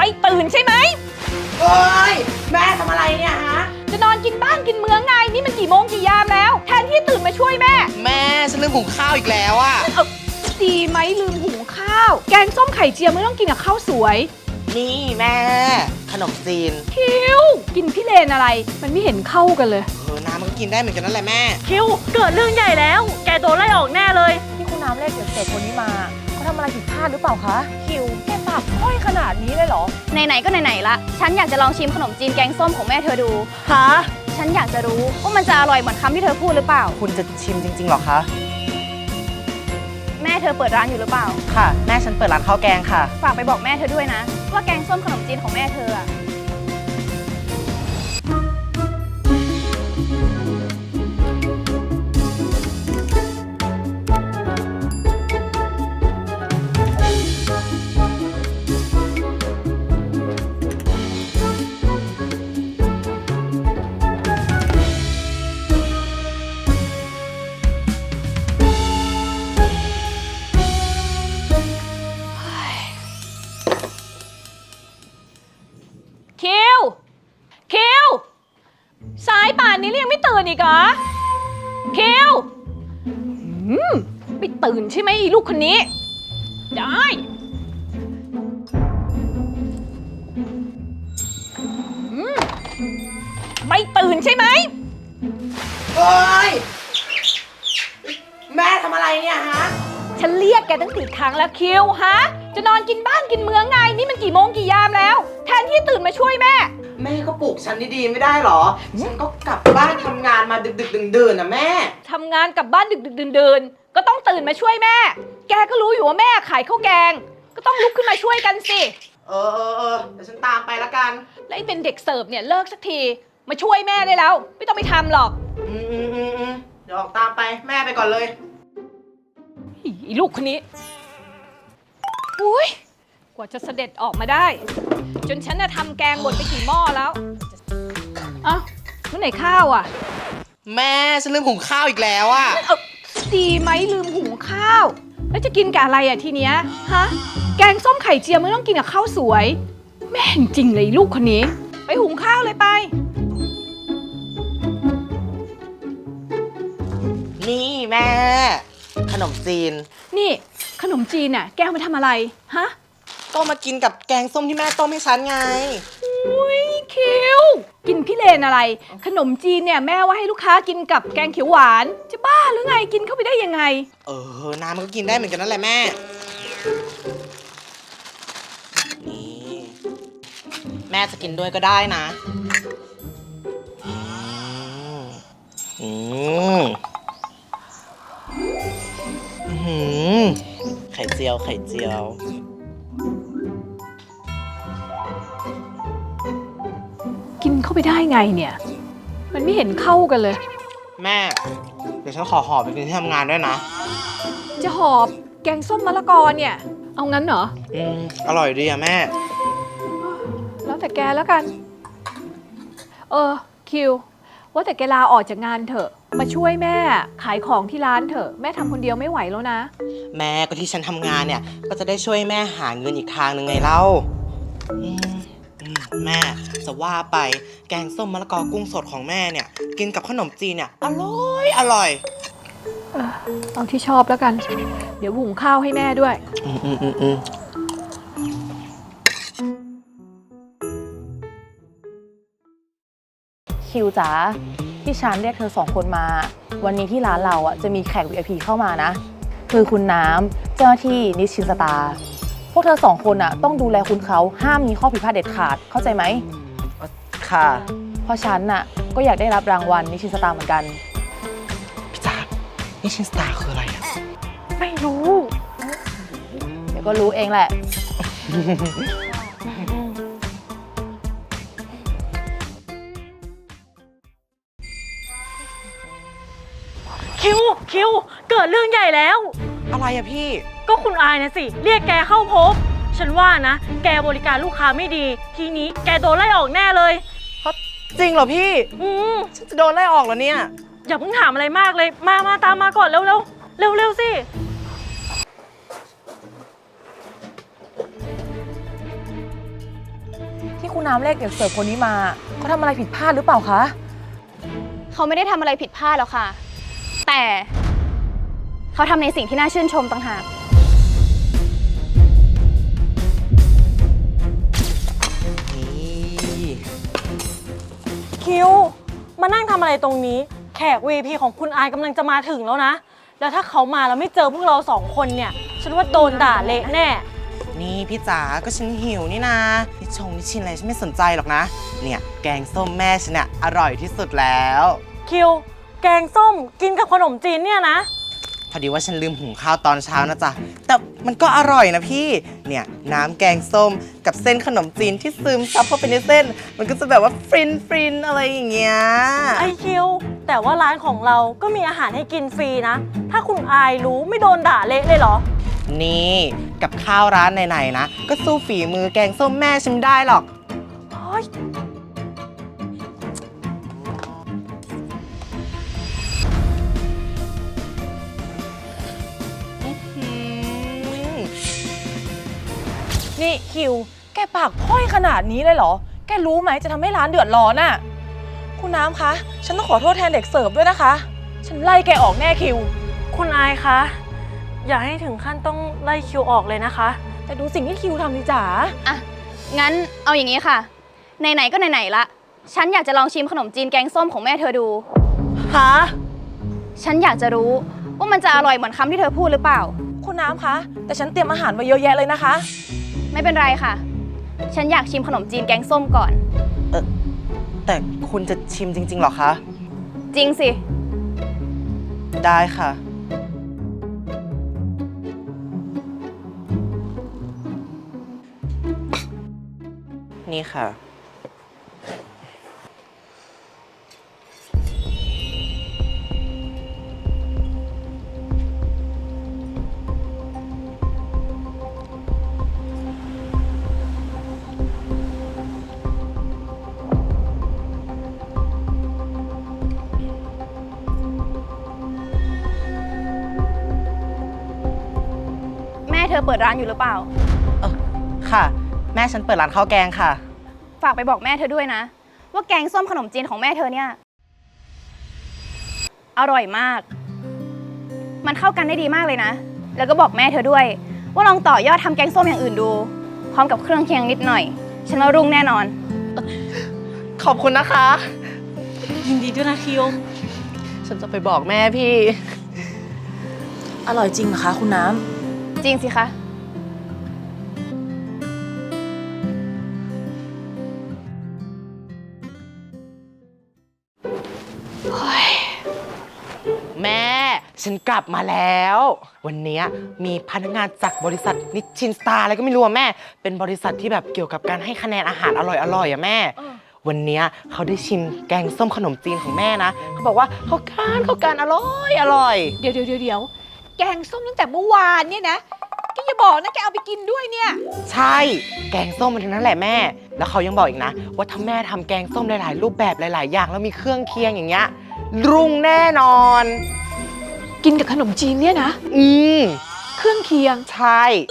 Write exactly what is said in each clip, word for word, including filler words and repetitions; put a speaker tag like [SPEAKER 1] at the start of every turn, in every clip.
[SPEAKER 1] ตื่นใช่ไหม
[SPEAKER 2] โอ้ยแม่ทำอะไรเนี่ยฮะ
[SPEAKER 1] จะนอนกินบ้านกินเมืองไงนี่มันกี่โมงกี่ยามแล้วแทนที่ตื่นมาช่วยแม่
[SPEAKER 2] แม่ฉันลืมหุงข้าวอีกแล้วอะ
[SPEAKER 1] เออดีไหมลืมหุงข้าวแกงส้มไข่เจียวไม่ต้องกินกับข้าวสวย
[SPEAKER 2] นี่แม่ขนมจีน
[SPEAKER 1] คิวกินพี่เลนอะไรมันไม่เห็นเข้ากันเลย
[SPEAKER 2] เออน้ำมันก็กินได้เหมือนกันนั่นแหละแม่
[SPEAKER 1] คิวเกิดเรื่องใหญ่แล้วแกโดนไล่ออกแน่เลย
[SPEAKER 3] ที่คุณน้ำเรียกเด็กๆคนนี้มาเขาทำอะไรผิดพลาดหรือเปล่าคะคิวแกปากค่อยขนาดนี้เลยเหรอ
[SPEAKER 4] ไหนๆก็ไหนๆละฉันอยากจะลองชิมขนมจีนแกงส้มของแม่เธอดู
[SPEAKER 3] ฮะ
[SPEAKER 4] ฉันอยากจะรู้ว่ามันจะอร่อยเหมือนคำที่เธอพูดหรือเปล่า
[SPEAKER 2] คุณจะชิมจริงๆหรอคะ
[SPEAKER 4] แม่เธอเปิดร้านอยู่หรือเปล่า
[SPEAKER 2] ค่ะแม่ฉันเปิดร้านข้าวแกงค่ะ
[SPEAKER 4] ฝากไปบอกแม่เธอด้วยนะว่าแกงส้มขนมจีนของแม่เธออะ
[SPEAKER 1] คิวคิวสายป่านนี้ยังไม่ตื่นอีกเหรอคิวอืมไม่ตื่นใช่ไหมลูกคนนี้ได้อืมไม่ตื่นใช่ไหม
[SPEAKER 2] โอ้ยแม่ทำอะไรเนี่ยฮะ
[SPEAKER 1] ฉันเรียกแกตั้งสี่ครั้งแล้วคิวฮะจะนอนกินบ้านกินเมืองไงนี่มันกี่โมงกี่ยามแล้วแทนที่ตื่นมาช่วยแม่
[SPEAKER 2] แม่ก็ปลุกฉันดีๆไม่ได้หรอฉันก็กลับบ้านทำงานมาดึกๆดื่นๆนะแม่
[SPEAKER 1] ทำงานกลับบ้านดึกๆดื่นๆก็ต้องตื่นมาช่วยแม่แกก็รู้อยู่ว่าแม่ขายข้าวแกงก็ต้องลุกขึ้นมาช่วยกันสิ
[SPEAKER 2] เออเออเออเดี๋ยวฉันตามไปละกัน
[SPEAKER 1] แล้วไอ้เป็นเด็กเสิร์ฟเนี่ยเลิกสักทีมาช่วยแม่ได้แล้วไม่ต้องไปทำหรอก
[SPEAKER 2] อืมอืมอืมอืมเดี๋ยวออกตามไปแม่ไปก่อนเลย
[SPEAKER 1] อีลูกคนนี้อุ้ยกว่าจะเสด็จออกมาได้จนฉันน่ะทำแกงหมดไปกี่หม้อแล้วเอ้าเมื่อไหร่ข้าวอ่ะ
[SPEAKER 2] แม่ฉันลืมหุงข้าวอีกแล้วอ่ะ
[SPEAKER 1] เออดีไหมลืมหุงข้าวแล้วจะกินกับอะไรอ่ะทีเนี้ยฮะแกงส้มไข่เจียวไม่ต้องกินกับข้าวสวยแม่จริงเลยลูกคนนี้ไปหุงข้าวเลยไป
[SPEAKER 2] นี่แม่ขนมจีน
[SPEAKER 1] นี่ขนมจีนน่ะแกเอามาทำอะไรฮะ
[SPEAKER 2] ก็มากินกับแกงส้มที่แม่ต้มให้ฉันไง
[SPEAKER 1] อุ้ยคิวกินพี่เลนอะไรขนมจีนเนี่ยแม่ว่าให้ลูกค้ากินกับแกงเขียวหวานจะบ้าหรือไงกินเข้าไปได้ยังไง
[SPEAKER 2] เออน้ำมันก็กินได้เหมือนกันนั่นแหละแม่นี่แม่จะกินด้วยก็ได้นะอืมอืมอืมไข่เจียวไข่เจียว
[SPEAKER 1] กินเข้าไปได้ไงเนี่ยมันไม่เห็นเข้ากันเลย
[SPEAKER 2] แม่เดี๋ยวฉันขอหอบไปกินที่ทำงานด้วยนะ
[SPEAKER 1] จะหอบแกงส้มมะละกอเนี่ยเอางั้นเหรอ
[SPEAKER 2] อืมอร่อยดีอะแม่
[SPEAKER 1] แล้วแต่แกแล้วกันเออคิวว่าแต่แกลาออกจากงานเถอะมาช่วยแม่ขายของที่ร้านเถอะแม่ทำคนเดียวไม่ไหวแล้วนะ
[SPEAKER 2] แม่ก็ที่ฉันทำงานเนี่ยก็จะได้ช่วยแม่หาเงินอีกทางหนึ่งไงเล่าแม่จะว่าไปแกงส้มมะละกอกุ้งสดของแม่เนี่ยกินกับขนมจีนเนี่ยอร่อยอร่อย
[SPEAKER 1] เออเอาที่ชอบแล้วกันเดี๋ยวหุงข้าวให้แม่ด้วย
[SPEAKER 2] อืมอืมอืมอืม
[SPEAKER 3] คิวจ๋าที่ฉันเรียกเธอสองคนมาวันนี้ที่ร้านเราอ่ะจะมีแขก วี ไอ พี เข้ามานะคือคุณน้ำเจ้าหน้าที่นิชินสตาร์พวกเธอสองคนอ่ะต้องดูแลคุณเขาห้ามมีข้อผิดพลาดเด็ดขาดเข้าใจไหม
[SPEAKER 2] ค่ะ
[SPEAKER 3] เพราะฉันน่ะก็อยากได้รับรางวัลนิชินสตาร์เหมือนกัน
[SPEAKER 2] พี่จ๋านิชินสตาร์คืออะไรอ่ะ
[SPEAKER 3] ไม่รู้เดี๋ยวก็รู้เองแหละ
[SPEAKER 1] คิวคิวเกิดเรื่องใหญ่แล้ว
[SPEAKER 2] อะไรอะพี่
[SPEAKER 1] ก็คุณอายนะสิเรียกแกเข้าพบฉันว่านะแกบริการลูกค้าไม่ดีทีนี้แกโดนไล่ออกแน่เลย
[SPEAKER 2] จริงเหรอพี่
[SPEAKER 1] อืม
[SPEAKER 2] ฉันจะโดนไล่ออกแล้วเนี่ย
[SPEAKER 1] อย่าเพิ่งถามอะไรมากเลยมามาตามมาก่อนเร็วเร็วเร็วเร็วสิ
[SPEAKER 3] ที่คุณน้ำเรียกเด็กเสิร์ฟคนนี้มาเขาทำอะไรผิดพลาดหรือเปล่าคะ
[SPEAKER 4] เขาไม่ได้ทำอะไรผิดพลาดหรอกค่ะ แต่เขาทำในสิ่งที่น่าชื่นชมต่างหาก
[SPEAKER 2] นี่
[SPEAKER 5] คิว มานั่งทำอะไรตรงนี้ แขก วี ไอ พี ของคุณอายกำลังจะมาถึงแล้วนะ แล้วถ้าเขามาแล้วไม่เจอพวกเราสองคนเนี่ย ฉันว่าโดนด่าเละแน่
[SPEAKER 2] นี่พี่จ๋าก็ฉันหิวนี่นะนิชงนิชินอะไรฉันไม่สนใจหรอกนะ เนี่ยแกงส้มแม่ฉันเนี่ยอร่อยที่สุดแล้ว
[SPEAKER 5] คิว แกงส้มกินกับขนมจีนเนี่ยนะ
[SPEAKER 2] พอดีว่าฉันลืมหุงข้าวตอนเช้านะจ๊ะ แต่มันก็อร่อยนะพี่ เนี่ยน้ำแกงส้มกับเส้นขนมจีนที่ซึมซับเข้าไปในเส้น มันก็จะแบบว่าฟรินฟรินอะไรอย่างเงี้ย
[SPEAKER 5] ไอคิว แต่ว่าร้านของเราก็มีอาหารให้กินฟรีนะ ถ้าคุณอายรู้ไม่โดนด่าเละเลยเหรอ
[SPEAKER 2] นี่กับข้าวร้านไหนๆนะ ก็สู้ฝีมือแกงส้มแม่ฉันไม่ได้หรอก
[SPEAKER 5] เฮ้ย
[SPEAKER 3] นี่คิว แกปากพ้อยขนาดนี้เลยเหรอ แกรู้ไหมจะทำให้ร้านเดือดร้อนอะคุณน้ำคะ ฉันต้องขอโทษแทนเด็กเสิร์ฟด้วยนะคะ ฉันไล่แกออกแน่คิว
[SPEAKER 5] คุณอายคะ อย่าให้ถึงขั้นต้องไล่คิวออกเลยนะคะ
[SPEAKER 3] แต่ดูสิ่งที่คิวทำสิจ๋า
[SPEAKER 4] อ่ะ งั้นเอาอย่างนี้ค่ะ ไหนๆก็ไหนๆละ ฉันอยากจะลองชิมขนมจีนแกงส้มของแม่เธอดู
[SPEAKER 5] ฮะ
[SPEAKER 4] ฉันอยากจะรู้ว่ามันจะอร่อยเหมือนคำที่เธอพูดหรือเปล่า
[SPEAKER 3] คุณน้ำคะ แต่ฉันเตรียมอาหารไว้เยอะแยะเลยนะคะ
[SPEAKER 4] ไม่เป็นไรค่ะ ฉันอยากชิมขนมจีนแกงส้มก่อน
[SPEAKER 2] แต่คุณจะชิมจริงๆหรอคะ
[SPEAKER 4] จริงสิ
[SPEAKER 2] ได้ค่ะ นี่ค่ะ
[SPEAKER 4] แม่เธอเปิดร้านอยู่หรือเปล่า
[SPEAKER 2] เออค่ะ แม่ฉันเปิดร้านข้าวแกงค่ะ
[SPEAKER 4] ฝากไปบอกแม่เธอด้วยนะ ว่าแกงส้มขนมจีนของแม่เธอเนี่ย อร่อยมาก มันเข้ากันได้ดีมากเลยนะ แล้วก็บอกแม่เธอด้วย ว่าลองต่อยอดทำแกงส้มอย่างอื่นดู พร้อมกับเครื่องเคียงนิดหน่อย ฉันว่ารุ่งแน่นอน
[SPEAKER 2] ขอบคุณนะคะ
[SPEAKER 5] ยินดีด้วยนะคิว
[SPEAKER 2] ฉันจะไปบอกแม่พี่
[SPEAKER 3] อร่อยจริงเหรอคะคุณน้
[SPEAKER 4] จริงสิคะ
[SPEAKER 2] แม่ฉันกลับมาแล้ว วันนี้มีพนักงานจากบริษัทนิชชินสตาร์อะไรก็ไม่รู้อะแม่ เป็นบริษัทที่แบบเกี่ยวกับการให้คะแนนอาหารอร่อยๆอะแม่ วันนี้เขาได้ชิมแกงส้มขนมจีนของแม่นะเขาบอกว่าเขาการเขาการอร่อยอร่อย
[SPEAKER 1] เดี๋ยวเดี๋ยวเดี๋ยวเดี๋ยวแกงส้มตั้งแต่เมื่อวานเนี่ยนะแกอย่าบอกนะแกเอาไปกินด้วยเนี่ย
[SPEAKER 2] ใช่ แกงส้มมันทั้งนั้นแหละแม่ แล้วเขายังบอกอีกนะ ว่าถ้าแม่ทำแกงส้มหลายๆรูปแบบหลายๆอย่างแล้วมีเครื่องเคียงอย่างเงี้ยรุ่งแน่นอน
[SPEAKER 1] กินกับขนมจีนเนี่ยนะ
[SPEAKER 2] อืม
[SPEAKER 1] เครื่องเคียง
[SPEAKER 2] ใช่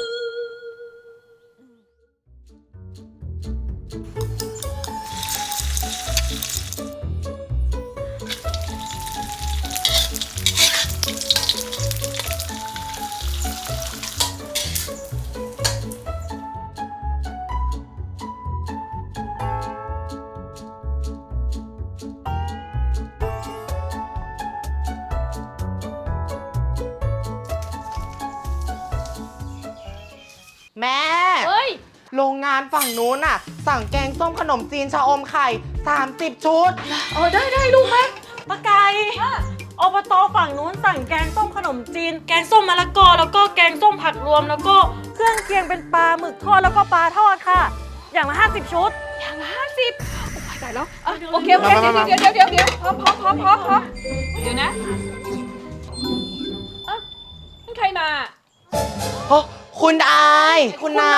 [SPEAKER 2] แม่
[SPEAKER 1] เฮ้ย
[SPEAKER 2] โรงงานฝั่งนู้นน่ะ สั่งแกงส้มขนมจีนชะอมไข่สามสิบชุด
[SPEAKER 1] เออได้ได้ลูกแม่
[SPEAKER 5] ปะไก่อบตฝั่งนู้นสั่งแกงส้มขนมจีน แกงส้มมะละกอ แล้วก็แกงส้มผักรวม แล้วก็เครื่องเคียงเป็นปลาหมึกทอดแล้วก็ปลาทอดค่ะ อย่างละห้าสิบชุด
[SPEAKER 1] อย่างละห้าสิบโอ้ยตายแล้วอ่ะ
[SPEAKER 5] เดี๋ยว
[SPEAKER 1] โอเคโอเค
[SPEAKER 2] มา
[SPEAKER 1] เดี๋ยว
[SPEAKER 2] มามา
[SPEAKER 1] เดี๋ยวเดี๋ยวเดี๋ยวเดี๋ยวพร้อมพร้อมพร้อมพร้อมพร้อมเดี๋ยวนะอ่ะนั่นใครมา
[SPEAKER 2] โอ้คุณอาย คุณน้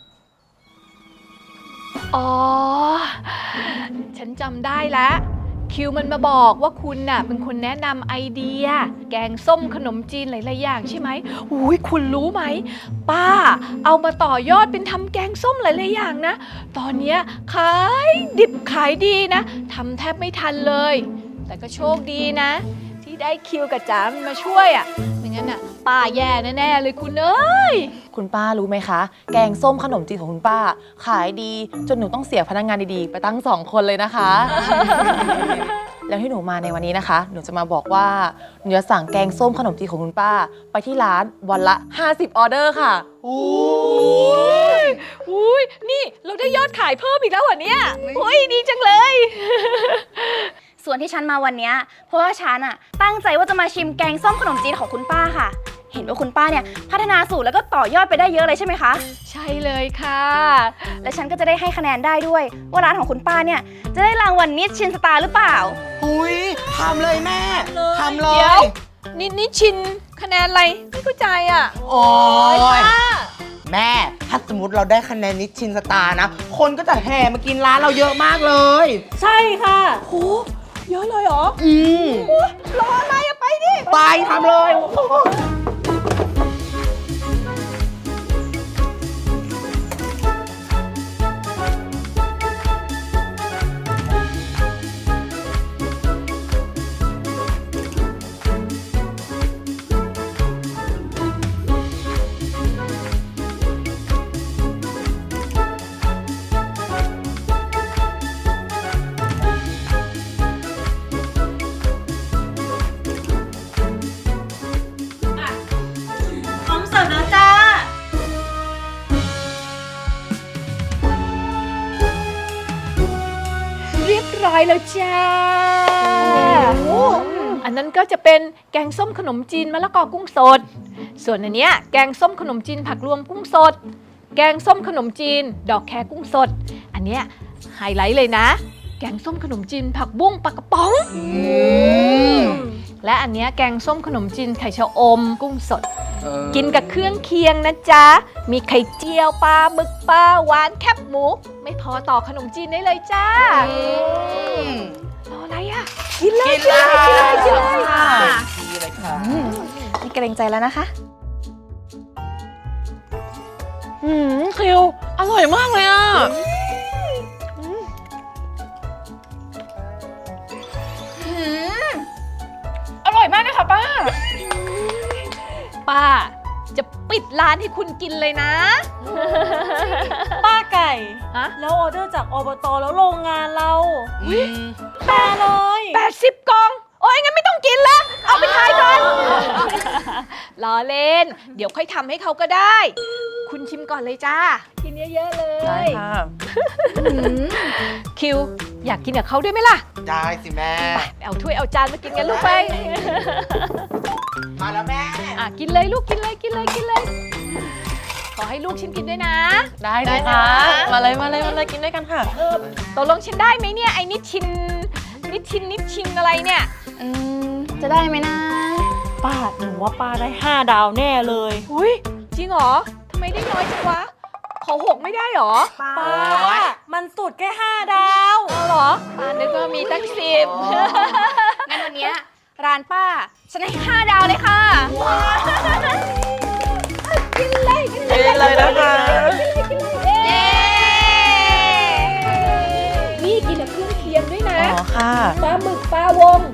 [SPEAKER 1] อ๋อ ฉันจำได้แล้วคิวมันมาบอกว่าคุณน่ะเป็นคนแนะนำไอเดีย แกงส้มขนมจีนหลายๆอย่างใช่ไหมอุ้ยคุณรู้ไหมป้าเอามาต่อยอดเป็นทำแกงส้มหลายๆอย่างนะ ตอนเนี้ยขายดิบขายดีนะทำแทบไม่ทันเลย แต่ก็โชคดีนะ ที่ได้คิวกับจ๋ามันมาช่วยอ่ะไม่งั้นอ่ะป้าแย่แน่ๆเลยคุณเอ้ย
[SPEAKER 3] คุณป้ารู้ไหมคะ แกงส้มขนมจีนของคุณป้า ขายดีจนหนูต้องเสียพนักงานดีๆ ไปตั้งสองคนเลยนะคะ แล้วที่หนูมาในวันนี้นะคะ หนูจะมาบอกว่าหนูจะสั่งแกงส้มขนมจีนของคุณป้า ไปที่ร้านวันละ ห้าสิบ ออเดอร์ค่ะ
[SPEAKER 1] อุ้ยอุ้ยนี่เราได้ยอดขายเพิ่มอีกแล้วเหรอเนี่ยอุ้ยดีจังเลย
[SPEAKER 4] ส่วนที่ฉันมาวันเนี้ยเพราะว่าฉันอะตั้งใจว่าจะมาชิมแกงส้มขนมจีนของคุณป้าค่ะ เห็นว่าคุณป้าเนี่ยพัฒนาสูตรแล้วก็ต่อยอดไปได้เยอะเลยใช่ไหมคะ
[SPEAKER 1] ใช่เลยค่ะ
[SPEAKER 4] และฉันก็จะได้ให้คะแนนได้ด้วย ว่าร้านของคุณป้าเนี่ยจะได้รางวัลนิชชินสตาร์หรือเปล่า
[SPEAKER 2] อุ้ยทำเลยแม่ทำเล
[SPEAKER 1] เดี๋ยวย นี่นี่ชินคะแนนอะไรไม่เข้าใจอ่ะ
[SPEAKER 2] โอ้ยแม่ ถ้าสมมติเราได้คะแนนนิชชินสตาร์นะ คนก็จะแห่มากินร้านเราเยอะมากเลย
[SPEAKER 5] ใช่ค่ะ
[SPEAKER 1] โหเยอะเลยเหรอ
[SPEAKER 2] อืม
[SPEAKER 1] รออะไรอะไปดิ
[SPEAKER 2] ไปทำเลย
[SPEAKER 5] พร้อมเสิร์ฟแล้วจ้า
[SPEAKER 1] เรียบร้อยแล้วจ้าอันนั้นก็จะเป็นแกงส้มขนมจีนมะละกอกุ้งสด ส่วนอันเนี้ยแกงส้มขนมจีนผักรวมกุ้งสด แกงส้มขนมจีนดอกแคกุ้งสด อันเนี้ยไฮไลท์เลยนะ แกงส้มขนมจีนผักบุ้งปลากระป๋อง และอันเนี้ยแกงส้มขนมจีนไข่ชะอมกุ้งสด กินกับเครื่องเคียงนะจ๊ะ มีไข่เจียวปลาหมึกปลาหวานแคบหมู ไม่พอต่อขนมจีนได้เลยจ้ารออะไรอ่ะ กินเลย
[SPEAKER 2] กินเลย
[SPEAKER 1] กินเลยกินเลย
[SPEAKER 2] ค่ะดีเลยค่ะ
[SPEAKER 4] นี่เกรงใจแล้วนะคะ
[SPEAKER 3] อืมคิว อร่อยมากเลยอ่ะ อร่อยมากเลยค่ะป้า
[SPEAKER 1] ป้า จะปิดร้านให้คุณกินเลยนะ
[SPEAKER 5] ป้าไก่
[SPEAKER 1] ฮะ
[SPEAKER 5] แล้วออเดอร์จากอบตแล้วโรงงานเรา
[SPEAKER 2] อืม
[SPEAKER 5] แปลเลย
[SPEAKER 1] แปดสิบกล่อง โอ้ยงั้นไม่ต้องกินละเอาไปขายก่อน ล้อเล่น เดี๋ยวค่อยทำให้เขาก็ได้ คุณชิมก่อนเลยจ้า กินเยอะๆเลย
[SPEAKER 3] ได้ค่ะ
[SPEAKER 1] คิว อยากกินกับเขาด้วยไหมล่ะ
[SPEAKER 2] ได้สิแม่
[SPEAKER 1] เอาถ้วยเอาจานมากินกันลูกไป
[SPEAKER 2] มาแล้วแม่
[SPEAKER 1] อ่ะกินเลยลูกกินเลยกินเลยกินเลย ขอให้ลูกชิมกินด้วยนะ
[SPEAKER 3] ได้เลยค่ะ มาเลยมาเลยมาเลยกินด้วยกันค่ะ
[SPEAKER 1] เออตกลงชิมได้ไหมเนี่ยไอ้นิดชินนิดชินนิดชินอะไรเนี่ย
[SPEAKER 4] อืม จะได้ไหมนะ
[SPEAKER 5] ป้าหนูว่าป้าได้ห้าดาวแน่เลย
[SPEAKER 1] อุ้ยจริงเหรอทำไมได้น้อยจังวะ ขอหกไม่ได้เหรอ
[SPEAKER 5] ป้า
[SPEAKER 2] โอ๊ย
[SPEAKER 5] มันสุดแค่ห้าดาว
[SPEAKER 1] เอาเหรอป้านึกว่ามีตั้งสิบ
[SPEAKER 4] งั้นวันเนี้ยร้านป้า ฉันให้ห้าดาวเลยค่ะ
[SPEAKER 1] กินเลยกินเลย
[SPEAKER 2] กินเลยนะคะ
[SPEAKER 4] เย้
[SPEAKER 1] นี่กินกับเครื่องเคียงด้วยนะ
[SPEAKER 3] อ๋อค่ะ
[SPEAKER 1] ปลาหมึกปลาวง